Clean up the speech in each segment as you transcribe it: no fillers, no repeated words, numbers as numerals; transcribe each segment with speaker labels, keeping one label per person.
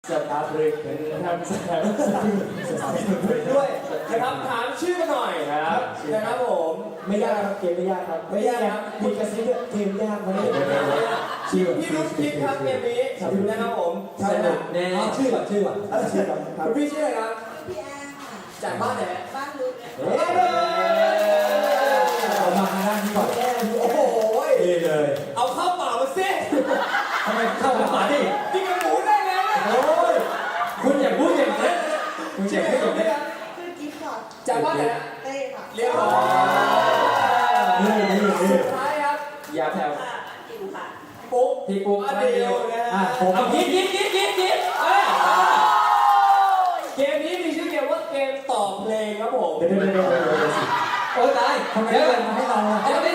Speaker 1: สตาร์ทเลยทำสตาร์ทด้วยนะครับถามชื่อกันหน่อยนะครับผมไม่ยากครับเกมไม่ยากครับไม่ยากครับมีกระซิบเกมยากไหมชื่อพี่รุ่นพิกครับเกมนี้นะครับผมสนุกแน่ชื่อก่อนคุณพี่ชื่ออะไรครับ
Speaker 2: พี่แอนค่ะ
Speaker 1: จากบ้านไหน
Speaker 2: บ้านลุก
Speaker 3: เอามาทางด้านนี้ก่อน
Speaker 1: โอ้โห
Speaker 3: ดีเลย
Speaker 1: เอาข้าวเปล่ามาสิ
Speaker 3: ทำไมเข้ามาดิ
Speaker 1: กินกับหมูได้เลย
Speaker 3: โอ้ยคุณอย่าพูดอย่างนี้คุณอย่าพูดอย่างนี้
Speaker 2: คือกิฟต์ค่ะ
Speaker 1: จากบ้านไหน
Speaker 2: เต้ค่ะ
Speaker 1: เรียบร้อยสุดท้ายครับ
Speaker 3: อย่าแผ่ว
Speaker 2: อิวค่ะ
Speaker 1: ปุ๊บ
Speaker 3: พี่ปุ๊บ
Speaker 1: เดียวนะ
Speaker 3: ผม
Speaker 1: ยิบเกมนี้มีชื่อเกมว่าเกมตอบเพลงครับผม
Speaker 3: เดี๋ยวโอ้ตายทำไมเดินมาให้เรา
Speaker 1: เอาดิ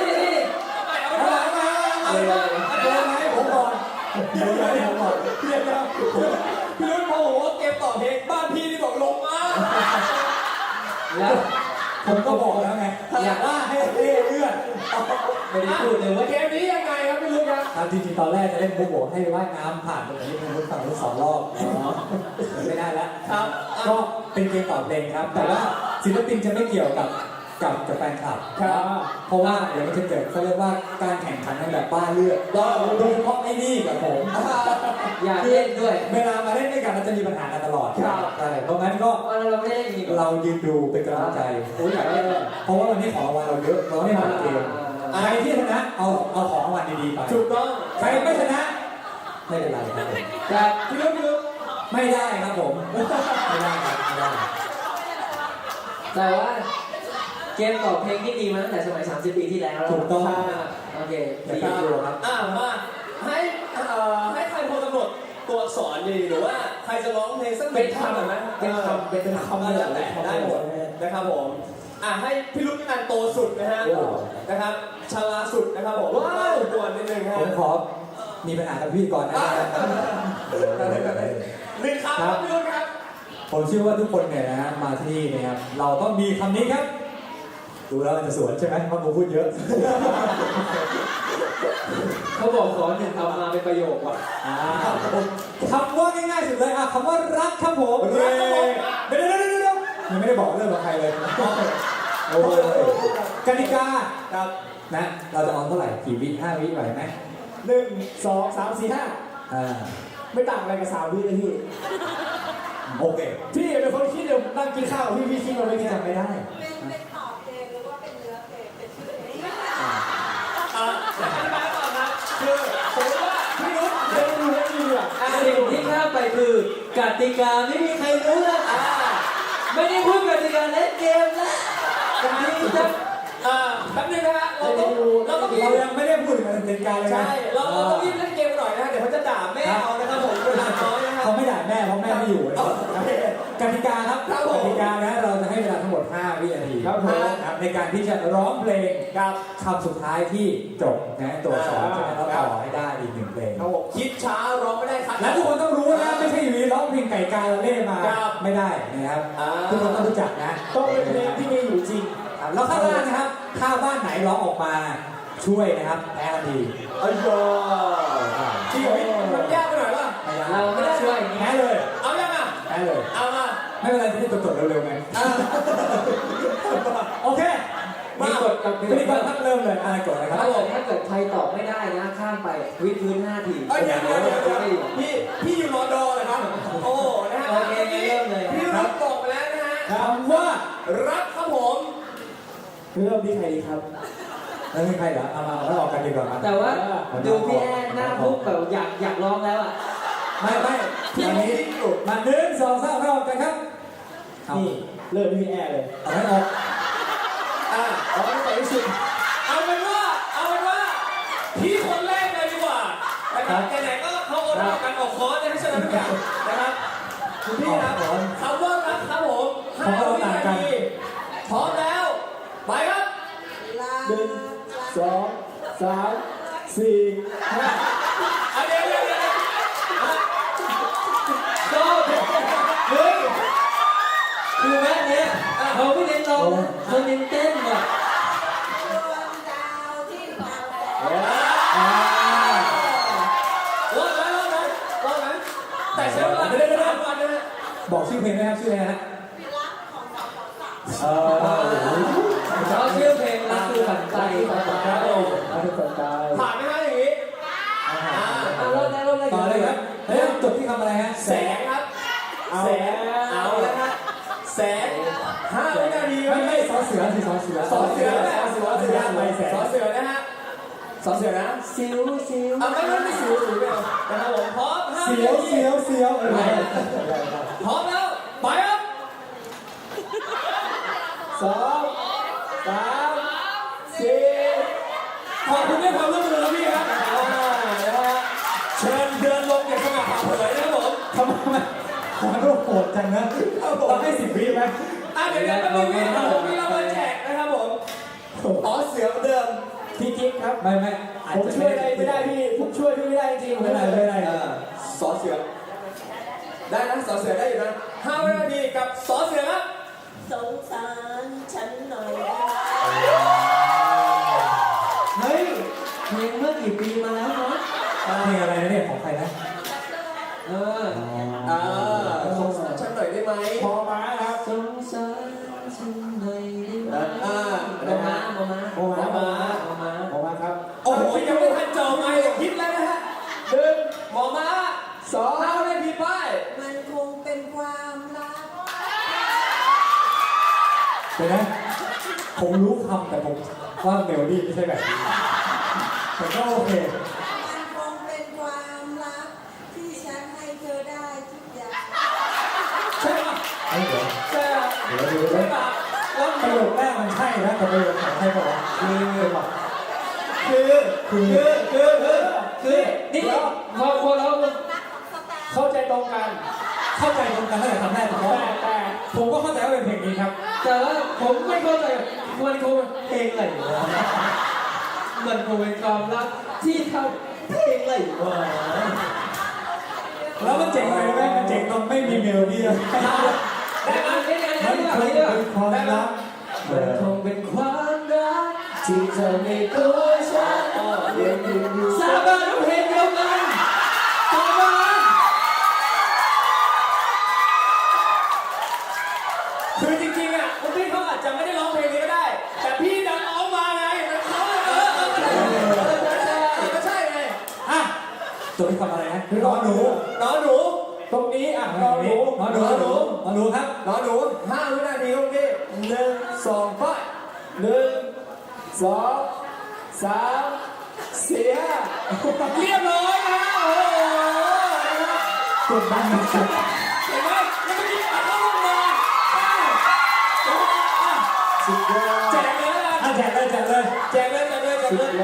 Speaker 1: ผมก่อนพี่รุ่นพอผมว่าเกมตอบเพลงบ้านพี่นี่บอกลงมา
Speaker 3: แล้วผมก็บอกแล้วไงอยากว่าให้เลื่อนไม่ได้พูดเลยว่า
Speaker 1: เกมนี้ยังไงครับพี่รุ่นครับ
Speaker 3: จริงๆตอนแรกจะเล่นโบโบให้ว่ายน้ำผ่านตรงนี้เป็นรถฝั่งรถ2 รอบไม่ได้แล้ว
Speaker 1: ครับ
Speaker 3: ก็เป็นเกมตอบเพลงครับแต่ว่าศิลปินจะไม่เกี่ยวกับแฟนคลับเพราะว่าเดี๋ยวมันจะเกิดเขาเรียกว่าการแข่งขันกันแบบบ้าเลือดโดยเฉพาะไอ้นี่กับผม
Speaker 1: อยากเล่นด้วย
Speaker 3: เวลามาเล่นด้วยกันมันจะมีปัญหากันตลอดใช่เพราะงั้นก็
Speaker 1: เราไม่ได้
Speaker 3: เรายืนดูเป็นกำลังใจโอ้ยอยากเล่นเพราะว่าวันนี้ของรางวัลเราเยอะเราไม่มาเกมใครที่ชนะเอาของรางวัลดีๆไป
Speaker 1: ถูกต้อง
Speaker 3: ใครไม่ชนะไม่เป็นไร
Speaker 1: ครับพี่รุ่น
Speaker 3: ไม่ได้ครับผมไม่ได้ครับไม่ได้
Speaker 4: แต่ว่าเกมตอบเพลงที่ดีมาตั้งแต่สมัย30 ปีที่แล้ว
Speaker 3: ถูกต้อง
Speaker 4: โอเค
Speaker 3: ดีครับ
Speaker 1: มาให้ใครคนกำหนดตัวอักษรดีหรือว่าใครจะร้องเพลงสักเป็นคำไหม
Speaker 3: เป็นคำ
Speaker 1: แล้วแต่ได้หมดนะครับผมให้พี่รุ่นกันโตสุดนะฮะนะครับชราสุดนะครับผมว้าวกวนนิดนึงฮะ
Speaker 3: ผมขอมีปัญหากับพี่ก่อนนะ
Speaker 1: หนึ่งคำครับพี่รุ่นครับ
Speaker 3: ผมเชื่อว่าทุกคนเนี่ยนะมาที่นี่นะครับเราต้องมีคำนี้ครับดูแล้วมันจะสวนใช่ไหมเพราะผมพูดเยอะ
Speaker 4: เขาบอกขอ1 คำมาเป็นประโยคว่ะ
Speaker 3: คำว่าง่ายๆสุดเลยคำว่ารักครับผมเดี๋ยวยังไม่ได้บอกเรื่องกับใครเลยโอ้ยกติกา
Speaker 1: ครับ
Speaker 3: นะเราจะเอาเท่าไหร่กี่วิ5 วิไหวไหม
Speaker 1: 1 2 3 4 5ไม่ต่างอะไรกับ3 วิเลยพี่
Speaker 3: โอเค
Speaker 1: พี่เป็นคนคิดเดี๋ยวนั่งกินข้าวพี่คิดเราไม่จำไม่ได้
Speaker 2: เป็นตอบเพลงหรือว่าเป็นเนื้อเพลงเป็นชื่อเพลง
Speaker 1: อธิบายก่อนนะคือผมว่าพี่รุ่นเล่นดูให้ดีอ่ะ
Speaker 4: สิ่งที่ข้ามไปคือกติกาไม่มีใครรู้ไม่ได้พูดกติกาเล่นเกมนะการที่จะ
Speaker 1: แป๊บนึงนะฮะเรา
Speaker 3: ยังไม่ได้พูดถึงกติกาเลยนะ
Speaker 1: ใช่เราต้องรีบเล่นเกมหน่อยนะเดี๋ยวเขาจะด่าแม่เอานะครับผมเวลาน้อยนะครับ
Speaker 3: เขาไม่ด่าแม่เพราะแม่ไม่อยู่กติกาครับกติกานะเราจะให้เวลาทั้งหมด5 วินาทีครับในการที่จะร้องเพลงกับคำสุดท้ายที่จบนะตัวสอนจะต้องต่อให้ได้อีก1 เพลง
Speaker 1: ครับผมคิดช้าร้องไม่ได้ครับ
Speaker 3: และทุกคนต้องรู้นะไม่ใช่อยู่ดีร้องเพลงไก่กาเล่มาไม่ได้นะครับทุกคนต้องรู้จักนะ
Speaker 1: ต้องเป็นเพลงที่มีอยู่จริง
Speaker 3: แล้วข้างล่างนะครับถ้าบ้านไหนร้องออกมาช่วยนะครับแพ้ทันที
Speaker 1: อ้ยจริงมันยากไปหน่อยป่ะ
Speaker 4: เราไม่ได้ช่วย
Speaker 3: แพ้เลย
Speaker 1: เอายังอ่ะ
Speaker 3: แพ้เลย
Speaker 1: เอามา
Speaker 3: ไม่เป็นไรที่จดเร็วๆไงโอเค
Speaker 4: มากดกับ
Speaker 3: พี่ก่อนทักเริ่มเลยอะไรกดนะครับ
Speaker 4: ถ้าเกิดใครตอบไม่ได้นะข้ามไปวิดพื้น5 ที
Speaker 1: เดี๋ยวพี่อยู่รอดอเลยครับโอ้นะฮะ
Speaker 4: โอเคเริ่มเลย
Speaker 1: พี่รับบอกไปแล้วนะฮะ
Speaker 3: คำว่า
Speaker 1: รักครับผมเริ่มที่ใครดีครับ
Speaker 3: แล้วมีใครเหรอเอามาแล้วออกกันดีกว่า
Speaker 4: แต่ว่าดูพี่แอนหน้าพุกแบบอยากร้องแล้วอ่ะ
Speaker 3: ไม่พี่นี้มา1 2 3ออกกันครับ
Speaker 1: นี่เริ่มที่พี่แอนเลย
Speaker 3: เอาให้ออก
Speaker 1: เอาให้ไปที่สุดเอาเป็นว่าพี่คนแรกเลยดีกว่านะครับไหนๆก็เขาออกกันออกคอร์สได้ใช่ไหมทุกอย่างนะครับคุณพี่ครับคำว่ารักครับผม5 วินาทีพร้อมแล้วไปครับ1 2 3 4 5เดี๋ยว
Speaker 4: คือแม่เนี้ยเขาไม่เน้นร้องเขาเน้นเต้นอ่ะ
Speaker 2: ดวงดาวที่ฟ้าแล
Speaker 1: รอดไหมแต่ใช้เวลาวันนะฮะ
Speaker 3: บอกชื่อเพลงไหมครับชื่ออะไรนะฮะ
Speaker 4: ชอบชื่อเพลงรักคือฝันใจครับผม
Speaker 3: รักคือฝันใจ
Speaker 1: ผ่านไหมฮะอย่างนี้
Speaker 4: เริ่มได้
Speaker 3: ต่อเลยครับเฮ้ยจบที่คำอะไรฮะ
Speaker 1: แสงครับแสงเอาแล้วฮะแสง5 วินาทีครับ
Speaker 3: ไม่สอเสือสิสอเสือ
Speaker 1: สอเสือนะสอเสือ
Speaker 3: ไปแสง
Speaker 1: สอเสือนะฮะสอเสือนะ
Speaker 4: ซิว
Speaker 1: ไม่สิวไม่เอานะครับผมพร้อม5
Speaker 3: เสี
Speaker 1: วิ
Speaker 3: ยว
Speaker 1: นาที
Speaker 3: เสียวเสียว
Speaker 1: พร้อมแล้วไปครับ
Speaker 3: 2 3 4
Speaker 1: ขอบคุณด้วยความร่วมมือครับพี่ครับนะฮะเชิญเดินลงอย่างสง่าผ่าเผยนะครับผม
Speaker 3: ทำไมขอรูปโหดจังนะต้องให้10 วิไหม
Speaker 1: เดี๋ยวมันมีรางวัลแจกนะครับผมอ๋อเสือเหมือนเดิม
Speaker 3: พี่กิ๊กครับไม่อาจ
Speaker 1: ผม
Speaker 3: จะ
Speaker 1: ช่วยอะไรไม่ได้พี่ผมช่วยพี่ไม่ได้จริง
Speaker 3: ไม่ได้
Speaker 1: สอเสือได้นะสอเสือได้อยู่นะ5 วินาทีกับสอเสือครับ
Speaker 2: สงสารฉันหน่อยได้
Speaker 4: เฮ้ยเพลงเมื่อกี่ปีมาแล้วเนาะ
Speaker 3: เพลงอะไรนะเนี่ยของใครนะ
Speaker 1: สงสารฉันหน่อยได้ไหม
Speaker 3: พอมาครับ
Speaker 4: สงสารฉันหน่อยได้ไหม
Speaker 1: นะฮะ
Speaker 4: โมมา
Speaker 3: ครับ
Speaker 1: โอ้โหยังไม่ทันจบไงคิดแล้วนะฮะ1หมอม้า25 นาทีป้าย
Speaker 2: มันคงเป็นความรัก
Speaker 3: เดี๋ยวนะผมรู้คำแต่ผมว่าเมโลดี้ไม่ใช่แบบนี้แต่ก็โอเค
Speaker 2: มันคงเป็นความรักที่ฉันให้เธอได้ทุกอย่าง
Speaker 1: ใช่ปะ
Speaker 3: เดี๋ยว
Speaker 1: ใช่ปะ
Speaker 3: เดี๋ยว
Speaker 1: ใช่ปะแล้ว
Speaker 3: ประโยคแรกมันใช่นะแต่ประโยคสองใช่ป่าวคือ
Speaker 4: นี่พอเรา
Speaker 3: เข้าใจตรงกันตั้งแต่คำแรกแต่ผมก็เข้าใจว่าเป็นเพลงนี้ครับ
Speaker 4: แต่ว่าผมไม่เข้าใจมันคงเพลงอะไรวะมันคงเป็นความรักที่ทำเพลงอะไรวะ
Speaker 3: แล้วมันเจ๋งอะไรรู้ไหมมันเจ๋งตรงไม่มีเมโลดี้เลย
Speaker 4: ได้ไหมได้ไหม
Speaker 3: มัน
Speaker 4: ได้
Speaker 3: ค
Speaker 4: ไหม
Speaker 3: งเป็นความรัก
Speaker 4: มันคงเป็นความรักที่เธอในตัวฉันสาบานว่าเพลงเดียวกันสาบาน
Speaker 1: คือจริงๆอ่ะคุณพี่เขาอาจจะไม่ได้ร้องเพลงนี้ก็ได้ แต่พี่ดันร้องมาไงก็ใช่ไง
Speaker 3: อ่ะจบที่คำอะไรนะนอนหนู
Speaker 1: น้องหนู
Speaker 3: ตรงนี้อ่ะนอนหนูครับ
Speaker 1: น้องหนู5 วินาทีคุณพี่1 2ไป1 2 3 4 5เรียบร้อยนะโอ้โห
Speaker 3: กดดันสุด
Speaker 1: เห็นไหมแล้วเมื่อกี้เข้าลงมา
Speaker 3: สุดยอด
Speaker 1: แจกเลยนะ
Speaker 3: แจกเลย
Speaker 1: แจกเลยอัน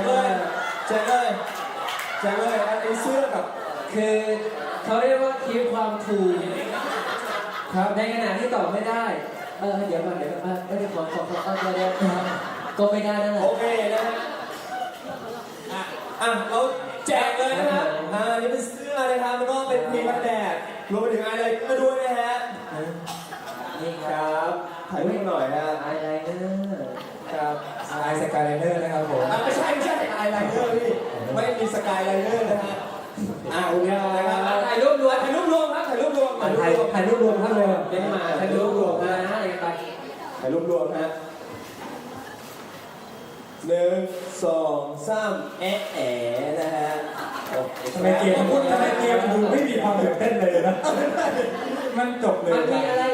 Speaker 1: นี้เสื้อกับ
Speaker 4: คือเขาเรียกว่าคีบความถูกครับในขณะที่ตอบไม่ได้เดี๋ยวก่อนเดี๋ยวขอเดี๋ยวก็ไม่ได้นั่นแหละ
Speaker 1: โอเคนะฮะเราแจกเลยนะครับนี่เป็นเสื้อนะครับแล้วก็เป็นครีมกันแดดรวมไปถึงอะไรก็ด้วยนะฮะ
Speaker 4: นี่ค
Speaker 1: ครับ รับถ่ายรูปหน่อยนะ
Speaker 4: ไอไลเนอร์
Speaker 1: ครับ
Speaker 3: ไอสกายไลเนอร์นะครับผม
Speaker 1: ไม่ใช่ไอไลเนอร์พี่ไม่มีสกายไลเนอร์นะฮะโอเคนะครับถ่ายรูปรวมครับถ่ายรูปรวม
Speaker 3: ถ่ายรูปรวมท่านเลย
Speaker 4: เล่นมาถ่ายรูปรวมนะอะไรกันไป
Speaker 1: ถ่ายรูปรวมฮะ1 2 3นะฮะ
Speaker 3: ทำไมเกมมันดูไม่มีความตื่นเต้นเลยนะมันจบเลย
Speaker 4: มันมีอะไร